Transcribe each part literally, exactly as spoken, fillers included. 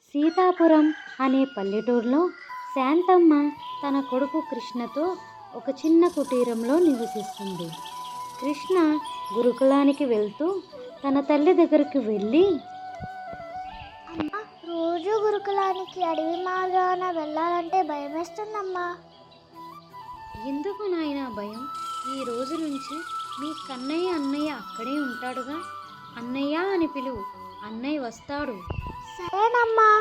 సీతాపురం అనే పల్లెటూరులో శాంతమ్మ తన కొడుకు కృష్ణతో ఒక చిన్న కుటీరంలో నివసిస్తుంది. కృష్ణ గురుకులానికి వెళ్తూ తన తల్లి దగ్గరికి వెళ్ళి, అమ్మ, రోజు గురుకులానికి అడవి మార్గాన వెళ్ళాలంటే భయం వేస్తుందమ్మా. ఎందుకు నాయనా భయం? ఈ రోజు నుంచి మీ కన్నయ్య అన్నయ్య అక్కడే ఉంటాడుగా. అన్నయ్య అని పిలువు, అన్నయ్య వస్తాడు. సరేనమ్మా.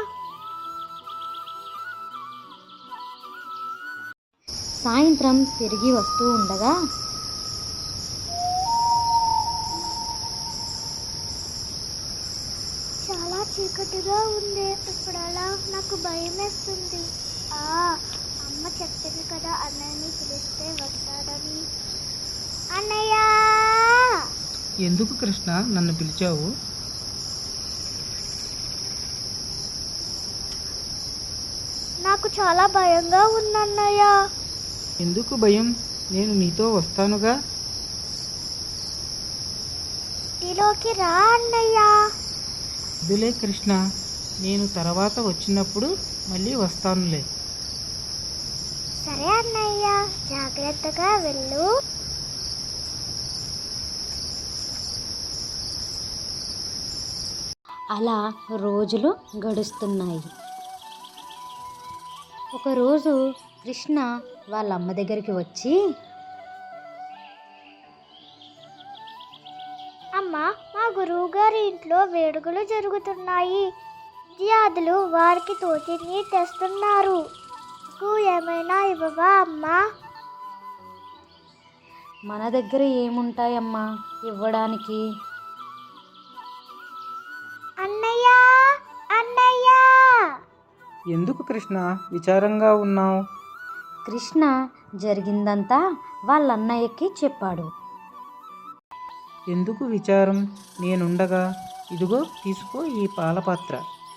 సాయంత్రం తిరిగి వస్తూ ఉండగా చాలా చీకటిగా ఉంది. ఇప్పుడు అలా నాకు భయం వేస్తుంది. ఆ అమ్మ చెప్పింది కదా అన్నయ్యని పిలిస్తే వస్తాడని. అన్నయ్య! ఎందుకు కృష్ణ నన్ను పిలిచావు? నాకు చాలా భయంగా ఉందన్నయ్య. ఎందుకు భయం? నేను నీతో వస్తానుగా. ఇంటిలోకి రా అన్నయ్య. వద్దులే కృష్ణ, నేను తర్వాత వచ్చినప్పుడు మళ్ళీ వస్తానులే. సరే అన్నయ్య, జాగ్రత్తగా వెళ్ళు. అలా రోజులు గడుస్తున్నాయి. ఒకరోజు కృష్ణ వాళ్ళ అమ్మ దగ్గరికి వచ్చి, అమ్మ, మా గురువు గారి ఇంట్లో వేడుకలు జరుగుతున్నాయి. విద్యార్థులు వారికి తోచింది తెస్తున్నారు. నాకు ఏమైనా ఇవ్వవా అమ్మా? మన దగ్గర ఏముంటాయమ్మా ఇవ్వడానికి? అన్నయ్య! అన్నయ్య! ఎందుకు కృష్ణ విచారంగా ఉన్నావు? కృష్ణ జరిగిందంతా వాళ్ళ అన్నయ్యకి చెప్పాడు. ఎందుకు విచారం? నేనుండగా. ఇదిగో తీసుకో ఈ పాలపాత్ర.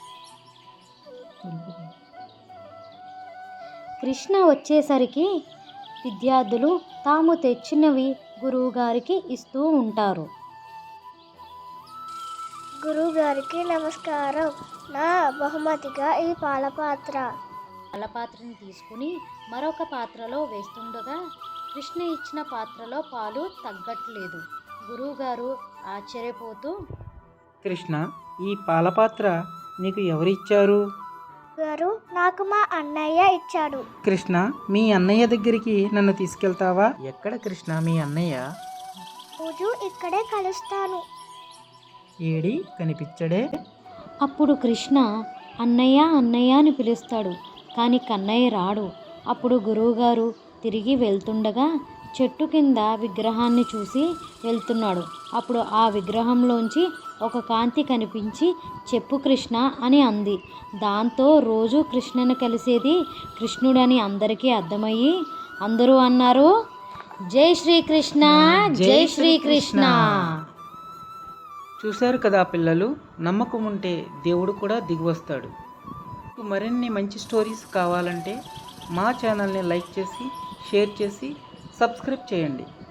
కృష్ణ వచ్చేసరికి విద్యార్థులు తాము తెచ్చినవి గురువుగారికి ఇస్తూ ఉంటారు. గురువు గారికి నమస్కారం. నా బహుమతిగా ఈ పాలపాత్ర. పాలపాత్రని తీసుకుని మరొక పాత్రలో వేస్తుండగా కృష్ణ ఇచ్చిన పాత్రలో పాలు తగ్గట్లేదు. గురువుగారు ఆశ్చర్యపోతూ, కృష్ణ, ఈ పాలపాత్ర నీకు ఎవరిచ్చారు? గారు, నాకు మా అన్నయ్య ఇచ్చాడు. కృష్ణ, మీ అన్నయ్య దగ్గరికి నన్ను తీసుకెళ్తావా? ఎక్కడ కృష్ణ మీ అన్నయ్య? రోజు ఇక్కడే కలుస్తాను. ఏడి కనిపించడే? అప్పుడు కృష్ణ అన్నయ్య అన్నయ్య అని పిలుస్తాడు, కానీ కన్నయ్య రాడు. అప్పుడు గురువుగారు తిరిగి వెళ్తుండగా చెట్టు కింద విగ్రహాన్ని చూసి వెళ్తున్నాడు. అప్పుడు ఆ విగ్రహంలోంచి ఒక కాంతి కనిపించి, చెప్పు కృష్ణ అని అంది. దాంతో రోజు కృష్ణను కలిసేది కృష్ణుడని అందరికీ అర్థమయ్యి అందరూ అన్నారు, జై శ్రీకృష్ణ, జై శ్రీకృష్ణ. చూశారు కదా పిల్లలు, నమ్మకం ఉంటే దేవుడు కూడా దిగివస్తాడు. మరిన్ని మంచి స్టోరీస్ కావాలంటే మా ఛానల్ని లైక్ చేసి, షేర్ చేసి, సబ్స్క్రైబ్ చేయండి.